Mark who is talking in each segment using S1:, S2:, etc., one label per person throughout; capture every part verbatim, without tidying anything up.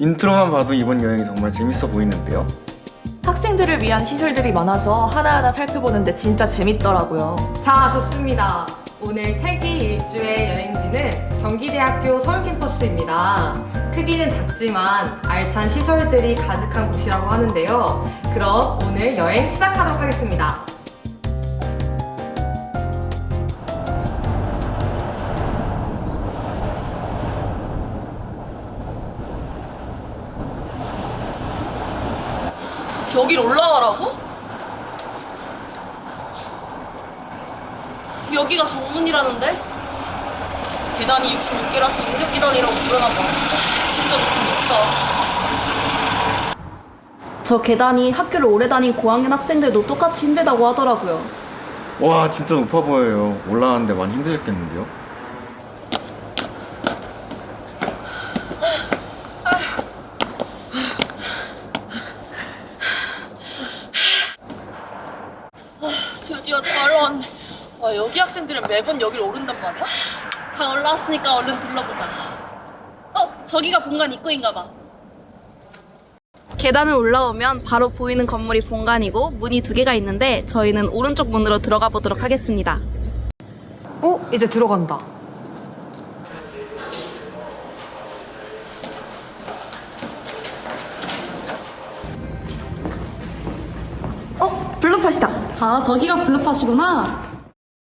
S1: 인트로만 봐도 이번 여행이 정말 재밌어 보이는데요?
S2: 학생들을 위한 시설들이 많아서 하나하나 살펴보는데 진짜 재밌더라고요.
S3: 자, 좋습니다. 오늘 태기 일주의 여행지는 경기대학교 서울캠퍼스입니다. 크기는 작지만 알찬 시설들이 가득한 곳이라고 하는데요. 그럼 오늘 여행 시작하도록 하겠습니다.
S4: 여길 올라가라고? 여기가 정문이라는데? 계단이 육십육 개라서 육육 계단이라고 부르나봐. 진짜 높다.
S5: 저 계단이 학교를 오래 다닌 고학년 학생들도 똑같이 힘들다고 하더라고요.
S1: 와, 진짜 높아 보여요. 올라가는데 많이 힘드셨겠는데요?
S4: 드디어 다 올라왔네. 와, 여기 학생들은 매번 여길 오른단 말이야? 다 올라왔으니까 얼른 둘러보자. 어? 저기가 본관 입구인가 봐.
S5: 계단을 올라오면 바로 보이는 건물이 본관이고 문이 두 개가 있는데 저희는 오른쪽 문으로 들어가 보도록 하겠습니다.
S3: 어? 이제 들어간다.
S5: 어? 블루팟이다. 아, 저기가 블루팟이구나.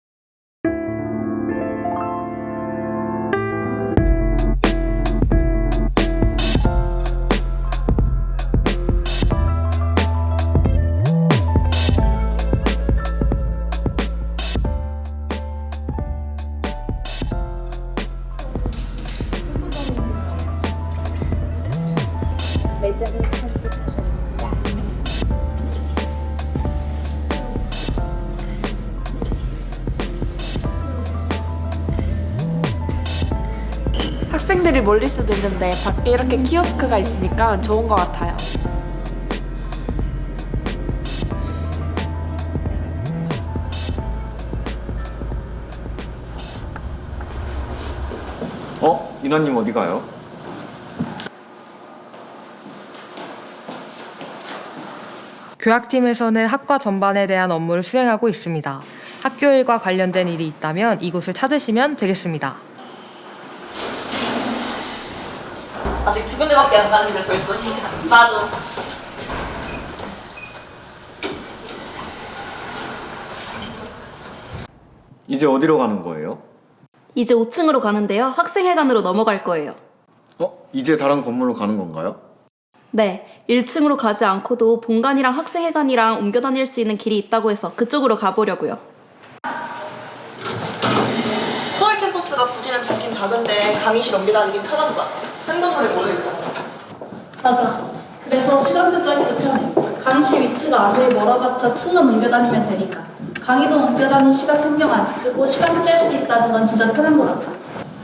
S2: 학생들이 몰릴 수도 있는데 밖에 이렇게 키오스크가 있으니까 좋은 것 같아요.
S1: 어? 인화님 어디 가요?
S3: 교학팀에서는 학과 전반에 대한 업무를 수행하고 있습니다. 학교 일과 관련된 일이 있다면 이곳을 찾으시면 되겠습니다.
S4: 아직 두 군데밖에 안 가는데 벌써 시간. 나도.
S1: 이제 어디로 가는 거예요?
S5: 이제 오 층으로 가는데요. 학생회관으로 넘어갈 거예요.
S1: 어? 이제 다른 건물로 가는 건가요?
S5: 네, 일 층으로 가지 않고도 본관이랑 학생회관이랑 옮겨 다닐 수 있는 길이 있다고 해서 그쪽으로 가보려고요.
S4: 서울 캠퍼스가 부지는 작긴 작은데 강의실 옮겨 다니긴 편한 것 같아. 횡단보도에 모여 있잖아.
S6: 맞아. 그래서 시간표 짜기도 편해. 강의실 위치가 아무리 멀어봤자 층만 옮겨 다니면 되니까. 강의도 옮겨 다니는 시간 신경 안 쓰고 시간표 짤 수 있다는 건 진짜 편한 것 같아.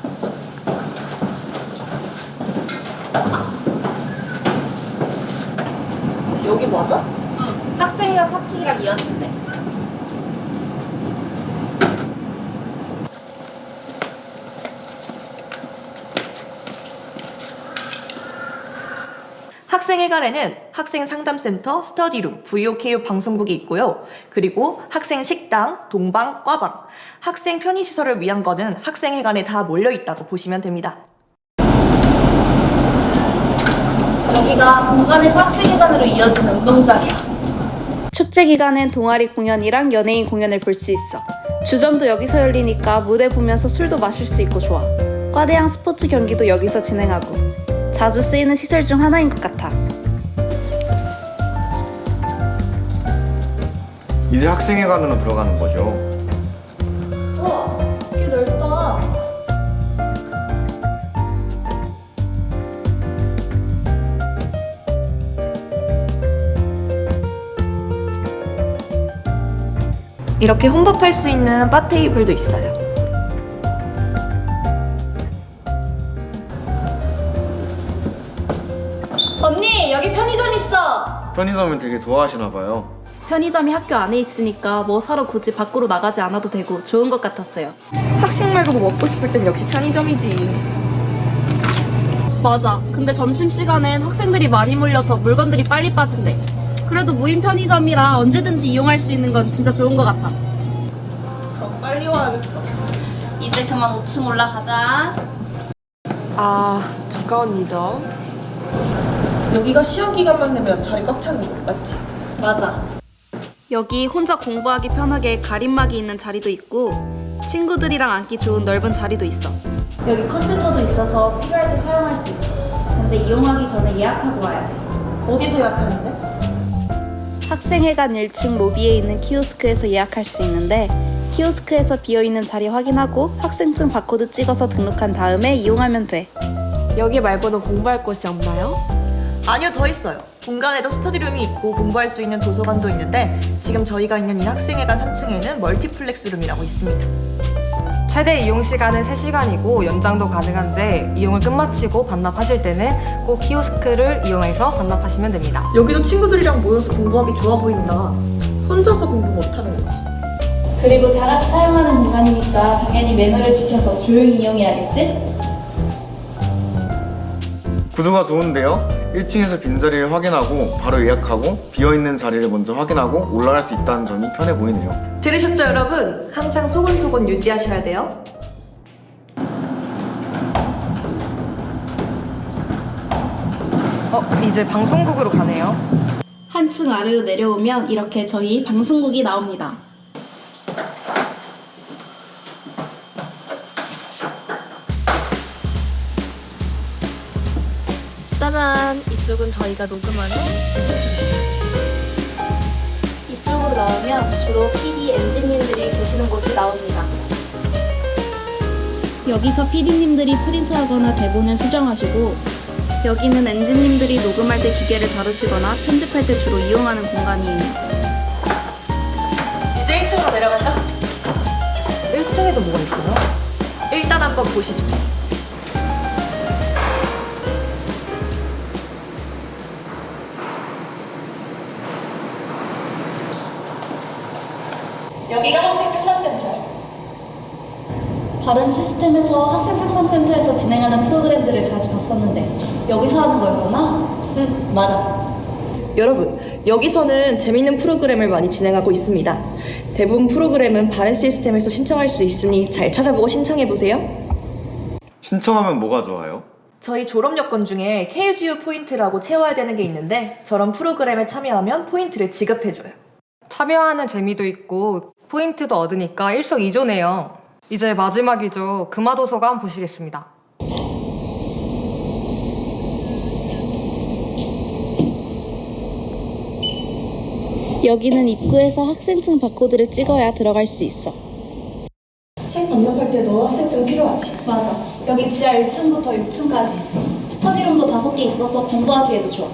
S4: 여기 맞아?
S6: 응. 학생회가 사 층이랑 이어진대.
S2: 학생회관에는 학생 상담센터, 스터디룸, 브이오케이유 방송국이 있고요. 그리고 학생 식당, 동방, 과방, 학생 편의시설을 위한 거는 학생회관에 다 몰려있다고 보시면 됩니다.
S6: 여기가 본관에서 학생회관으로 이어지는 운동장이야.
S5: 축제 기간엔 동아리 공연이랑 연예인 공연을 볼 수 있어. 주점도 여기서 열리니까 무대 보면서 술도 마실 수 있고 좋아. 과대항 스포츠 경기도 여기서 진행하고. 자주 쓰이는 시설 중 하나인 것 같아.
S1: 이제 학생회관으로 들어가는 거죠.
S6: 우와, 꽤 넓다.
S2: 이렇게 혼밥할 수 있는 바 테이블도 있어요.
S6: 언니, 여기 편의점 있어.
S1: 편의점을 되게 좋아하시나 봐요.
S5: 편의점이 학교 안에 있으니까 뭐 사러 굳이 밖으로 나가지 않아도 되고 좋은 것 같았어요.
S2: 학식 말고 뭐 먹고 싶을 땐 역시 편의점이지.
S6: 맞아. 근데 점심시간엔 학생들이 많이 몰려서 물건들이 빨리 빠진대. 그래도 무인 편의점이라 언제든지 이용할 수 있는 건 진짜 좋은 것 같아. 그럼 빨리 와야겠다. 이제 그만 오 층 올라가자.
S7: 아, 누가 언니죠?
S2: 여기가 시험 기간만 되면 자리 꽉 차는 거 맞지?
S6: 맞아. 여기 혼자 공부하기 편하게 가림막이 있는 자리도 있고 친구들이랑 앉기 좋은 넓은 자리도 있어. 여기 컴퓨터도 있어서 필요할 때 사용할 수 있어. 근데 이용하기 전에 예약하고 와야 돼.
S2: 어디서 예약하는데?
S5: 학생회관 일 층 로비에 있는 키오스크에서 예약할 수 있는데 키오스크에서 비어있는 자리 확인하고 학생증 바코드 찍어서 등록한 다음에 이용하면 돼.
S7: 여기 말고는 공부할 곳이 없나요?
S2: 아니요, 더 있어요. 본관에도 스터디룸이 있고 공부할 수 있는 도서관도 있는데 지금 저희가 있는 이 학생회관 삼 층에는 멀티플렉스룸이라고 있습니다.
S3: 최대 이용 시간은 세 시간이고 연장도 가능한데 이용을 끝마치고 반납하실 때는 꼭 키오스크를 이용해서 반납하시면 됩니다.
S2: 여기도 친구들이랑 모여서 공부하기 좋아 보인다. 혼자서 공부 못하는 거지.
S6: 그리고 다 같이 사용하는 공간이니까 당연히 매너를 지켜서 조용히 이용해야겠지?
S1: 구조가 좋은데요? 일 층에서 빈자리를 확인하고 바로 예약하고 비어있는 자리를 먼저 확인하고 올라갈 수 있다는 점이 편해 보이네요.
S2: 들으셨죠, 여러분? 항상 소곤소곤 유지하셔야 돼요.
S3: 어, 이제 방송국으로 가네요.
S6: 한 층 아래로 내려오면 이렇게 저희 방송국이 나옵니다.
S7: 짜잔! 이쪽은 저희가 녹음하는
S6: 이쪽으로 나오면 주로 피디, 엔지님들이 계시는 곳이 나옵니다. 여기서 피디님들이 프린트하거나 대본을 수정하시고 여기는 엔지님들이 녹음할 때 기계를 다루시거나 편집할 때 주로 이용하는 공간이에요.
S2: 이제 일 층으로 내려갈까?
S3: 일 층에도 뭐가 있어요?
S2: 일단 한번 보시죠. 여기가 학생 상담센터야.
S6: 다른 시스템에서 학생 상담센터에서 진행하는 프로그램들을 자주 봤었는데 여기서 하는 거였구나?
S2: 응, 맞아. 여러분, 여기서는 재밌는 프로그램을 많이 진행하고 있습니다. 대부분 프로그램은 다른 시스템에서 신청할 수 있으니 잘 찾아보고 신청해보세요.
S1: 신청하면 뭐가 좋아요?
S2: 저희 졸업 여건 중에 케이지유 포인트라고 채워야 되는 게 있는데 저런 프로그램에 참여하면 포인트를 지급해줘요.
S3: 참여하는 재미도 있고 포인트도 얻으니까 일석이조네요. 이제 마지막이죠. 금화도서관 보시겠습니다.
S5: 여기는 입구에서 학생증 바코드를 찍어야 들어갈 수 있어.
S6: 책 반납할 때도 학생증 필요하지? 맞아. 여기 지하 일 층부터 육 층까지 있어. 스터디룸도 다섯 개 있어서 공부하기에도 좋아.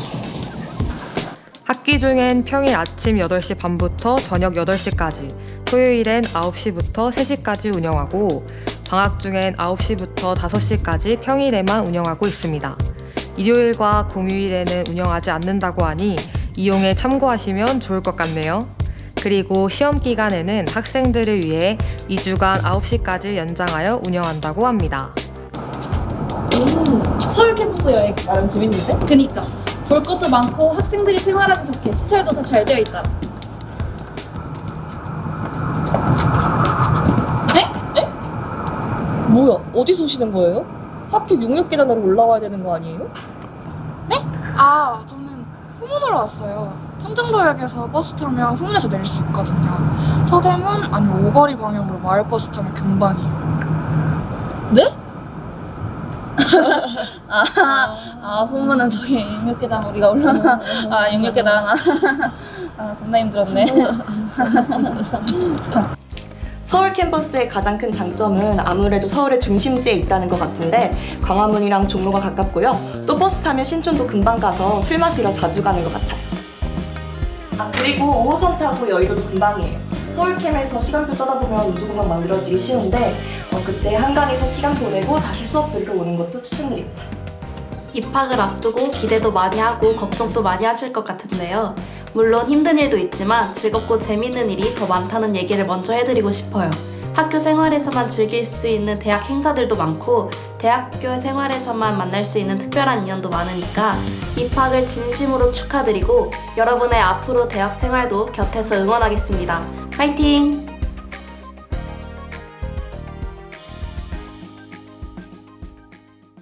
S3: 학기 중엔 평일 아침 여덟 시 반부터 저녁 여덟 시까지, 토요일엔 아홉 시부터 세 시까지 운영하고 방학 중엔 아홉 시부터 다섯 시까지 평일에만 운영하고 있습니다. 일요일과 공휴일에는 운영하지 않는다고 하니 이용에 참고하시면 좋을 것 같네요. 그리고 시험 기간에는 학생들을 위해 이 주간 아홉 시까지 연장하여 운영한다고 합니다.
S2: 서울 캠퍼스 여행 나름 재밌는데?
S6: 그니까 볼 것도 많고 학생들이 생활하기 좋게 시설도 다 잘 되어 있다.
S8: 에? 에? 뭐야? 어디서 오시는 거예요? 학교 육육 계단으로 올라와야 되는 거 아니에요?
S9: 아, 저는 후문으로 왔어요. 청정로역에서 버스 타면 후문에서 내릴 수 있거든요. 서대문 아니면 오거리 방향으로 마을버스 타면 금방이에요.
S8: 네?
S6: 아, 아 후문은 저기 육육 계단 우리가 올라가. 아 육육 계단. 아 겁나 힘들었네.
S2: 서울 캠퍼스의 가장 큰 장점은 아무래도 서울의 중심지에 있다는 것 같은데 광화문이랑 종로가 가깝고요. 또 버스 타면 신촌도 금방 가서 술 마시러 자주 가는 것 같아요. 아 그리고 오 호선 타고 여의도도 금방이에요. 서울캠에서 시간표 짜다 보면 우주공간 만들어지기 쉬운데 어, 그때 한강에서 시간 보내고 다시 수업 들으러 오는 것도 추천드립니다.
S6: 입학을 앞두고 기대도 많이 하고 걱정도 많이 하실 것 같은데요. 물론 힘든 일도 있지만 즐겁고 재밌는 일이 더 많다는 얘기를 먼저 해드리고 싶어요.
S5: 학교 생활에서만 즐길 수 있는 대학 행사들도 많고 대학교 생활에서만 만날 수 있는 특별한 인연도 많으니까 입학을 진심으로 축하드리고 여러분의 앞으로 대학 생활도 곁에서 응원하겠습니다. 파이팅!